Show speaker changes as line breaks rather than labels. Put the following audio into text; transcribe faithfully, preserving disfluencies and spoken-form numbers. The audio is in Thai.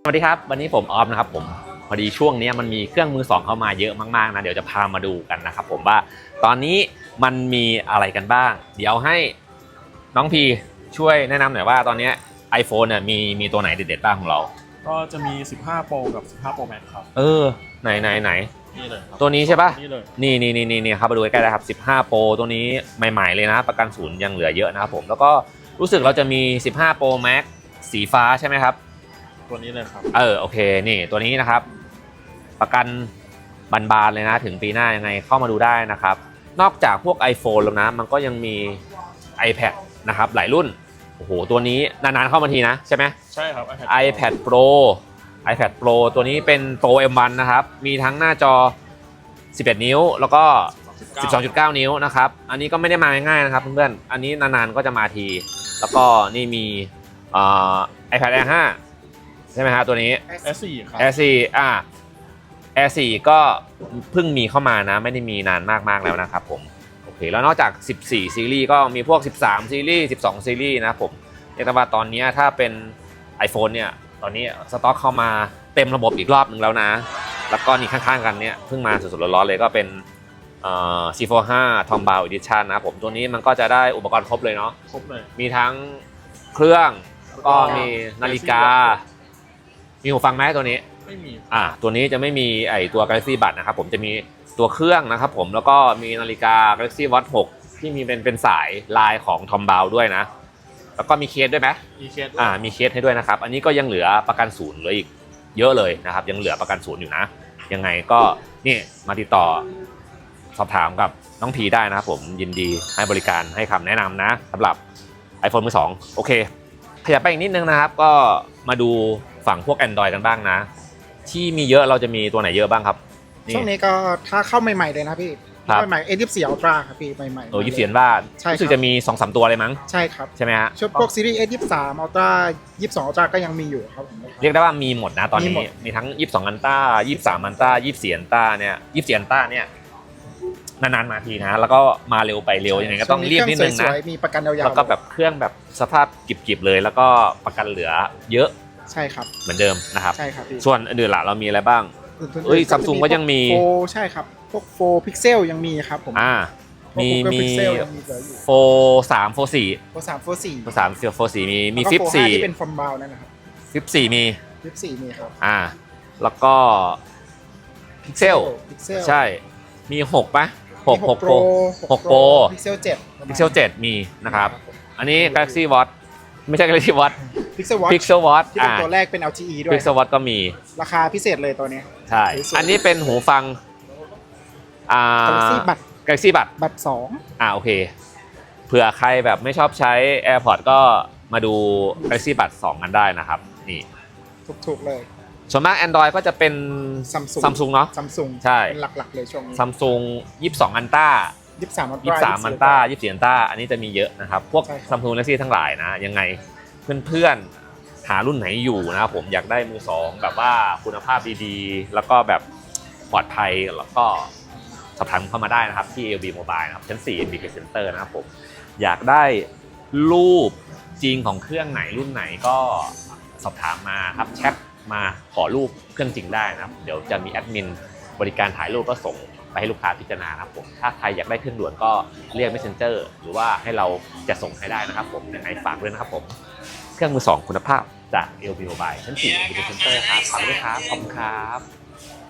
สวัสดีครับวันนี้ผมออฟนะครับผมพอดีช่วงนี้มันมีเครื่องมือสองเข้ามาเยอะมากๆนะเดี๋ยวจะพามาดูกันนะครับผมว่าตอนนี้มันมีอะไรกันบ้างเดี๋ยวให้น้องพีช่วยแนะนำหน่อยว่าตอนนี้ iPhone เนี่ยมีมีตัวไหนเด็ดๆบ้างของเรา
ก็จะมีสิบห้า Pro กับสิบห้า Pro Max ครับ
เออไหนไหนไหน
นี่เลยครับ
ตัวนี้ใช่ป่ะ
นี่เลย
นี่นี่นี่นี่ครับมาดูใกล้ๆได้ครับสิบห้า Pro ตัวนี้ใหม่ๆเลยนะประกันศูนย์ยังเหลือเยอะนะครับผมแล้วก็รู้สึกเราจะมีสิบห้า Pro Max สีฟ้าใช่ไหมครับ
ตัวนี้เลยครับ
เออโอเคนี่ตัวนี้นะครับประกันบานๆเลยนะถึงปีหน้ายังไงเข้ามาดูได้นะครับนอกจากพวก iPhone แล้วนะมันก็ยังมี iPad นะครับหลายรุ่นโอ้โหตัวนี้นานๆเข้ามาทีนะใช่ไหม
ใช่ครับ
iPad Pro iPad Pro ตัวนี้เป็น Pro เอ็ม วัน นะครับมีทั้งหน้าจอสิบเอ็ดนิ้วแล้วก็ สิบสองจุดเก้า นิ้วนะครับอันนี้ก็ไม่ได้มาง่ายๆนะครับเพื่อนๆอันนี้นานๆก็จะมาทีแล้วก็นี่มีเอ่อ iPad แอร์ ห้าใช่ไหมฮะตัวนี้
แอร์ สี่ ครับ
แอร์ สี่ อ่า แอร์ สี่ ก็เพิ่งมีเข้ามานะไม่ได้มีนานมากๆแล้วนะครับผมโอเคแล้วนอกจากสิบสี่ซีรีส์ก็มีพวกสิบสามซีรีส์สิบสองซีรีส์นะผมเรียกได้ว่าตอนนี้ถ้าเป็น iPhone เนี่ยตอนนี้สต็อกเข้ามาเต็มระบบอีกรอบหนึ่งแล้วนะแล้วก็นี่ข้างๆกันเนี่ยเพิ่งมาสดๆร้อนๆเลยก็เป็นเอ่อ ซี โฟร์ ห้า Tombow Edition นะผมตัวนี้มันก็จะได้อุปกรณ์ครบเลยเนาะ
ครบเลย
มีทั้งเครื่องก็มีนาฬิกามีหูฟังไหมตัวนี้
ไม่มี
อ่าตัวนี้จะไม่มีไอตัว Galaxy Buds นะครับผมจะมีตัวเครื่องนะครับผมแล้วก็มีนาฬิกา Galaxy Watch หกที่มีเป็นเป็นสายลายของ Tombow ด้วยนะแล้วก็มีเคสด้วยไหม
มีเคส
อ่ามีเคสให้ด้วยนะครับอันนี้ก็ยังเหลือประกันศูนย์เหลืออีกเยอะเลยนะครับยังเหลือประกันศูนย์อยู่นะยังไงก็นี่มาติดต่อสอบถามกับน้องพีได้นะครับผมยินดีให้บริการให้คำแนะนำนะสำหรับ iPhone มือสองโอเคขยับไปอีกนิดนึงนะครับก็มาดูฝั่งพวก Android กันบ้างนะที่มีเยอะเราจะมีตัวไหนเยอะบ้างครับ
ช่วงนี้ก็ถ้าเข้าใหม่ๆเลยนะพี่เข้าใหม่ๆ เอ ยี่สิบสี่ Ultra ครับพี่ใหม่ๆ
โอ้ยี่สิบสี่ว่ารู้สึกจะมี สองสาม ตัวเลยมั้ง
ใช่ครับ
ใช่ไหมฮะ
ชุดพวกซีรีส์ เอ ยี่สิบสาม Ultra ยี่สิบสอง Ultra ก็ยังมีอยู่ครับผม
เรียกได้ว่ามีหมดนะตอนนี้มีทั้งยี่สิบสอง Ultra ยี่สิบสาม Ultra ยี่สิบสี่ Ultra เนี่ยยี่สิบสี่ Ultra เนี่ยนานๆมาทีนะแล้วก็มาเร็วไปเร็วยังไงก็ต้องรีบนิดนึงนะ
มีประกันยาวๆ
แล้วก็แบบเครื่องแบบสภาพกิบๆเลยแล้วก็ประกันเหลือเยอะ
ใช่ครับ
เหมือนเดิมนะครับ
ใช่ครับ
ส่วนอื่นล่ะเรามีอะไรบ้างเอ้ย Samsung ก็ยังมี
โฟใช่ครับพวกโฟพิกเซลยังมีครับผม
อ่ามีมีโฟสามโฟสี่
โฟสามโฟสี่
โฟสามโฟสี่มีมีฟิปสี่
ที่เป็นฟอร์มบาวนั่นนะครับ
ฟิปสี่มี
ฟิปสี่มีครับ
อ่าแล้วก็พิกเซลใช่มีหกปะหกหกโปรหกโปร
พิกเซลเจ็ด
พิกเซลเจ็ดมีนะครับอันนี้ Galaxy Watch ไม่ใช่ Galaxy Watch
Pixel Watch
Pixel Watch
ที่เป็นตัวแรกเป็น แอล ที อี ด้วย
Pixel Watch ก็มี
ราคาพิเศษเลยตัวนี้
ใช่อันนี้เป็นหูฟังอ่า
Galaxy Buds
Galaxy Buds
บัตรสอง
อ่าโอเคเผื่อใครแบบไม่ชอบใช้ AirPods ก็มาดู Galaxy Buds สองกันได้นะครับนี่
ถูกๆเลย
ส่วนมาก Android ก็จะเป็น
Samsung
Samsung เนาะ
Samsung
ใช่
เป็นหลักๆเลยช่วงนี้
Samsung ยี่สิบสอง Ultra
ยี่สิบสาม Ultra
ยี่สิบสาม Ultra ยี่สิบสี่ Ultra อันนี้จะมีเยอะนะครับพวก Samsung Galaxy ทั้งหลายนะยังไงเพื่อนๆหารุ่นไหนอยู่นะครับผมอยากได้มือสองแบบว่าคุณภาพดีๆแล้วก็แบบปลอดภัยแล้วก็สอบถามเข้ามาได้นะครับที่ เอ แอล บี Mobile นะครับชั้นสี่ เอ็ม บี Center นะครับผมอยากได้รูปจริงของเครื่องไหนรุ่นไหนก็สอบถามมาครับแชทมาขอรูปเครื่องจริงได้นะครับเดี๋ยวจะมีแอดมินบริการถ่ายรูปก็ส่งไปให้ลูกค้าพิจารณาครับผมถ้าใครอยากได้เครื่องด่วนก็เรียก Messenger หรือว่าให้เราจะส่งให้ได้นะครับผมยังไงฝากด้วยนะครับผมเครื่องมือสองคุณภาพจาก เอ แอล บี Mobile ชั้นสี่ เอ็ม บี Center ครับฝากด้วยครับขอบคุณครับ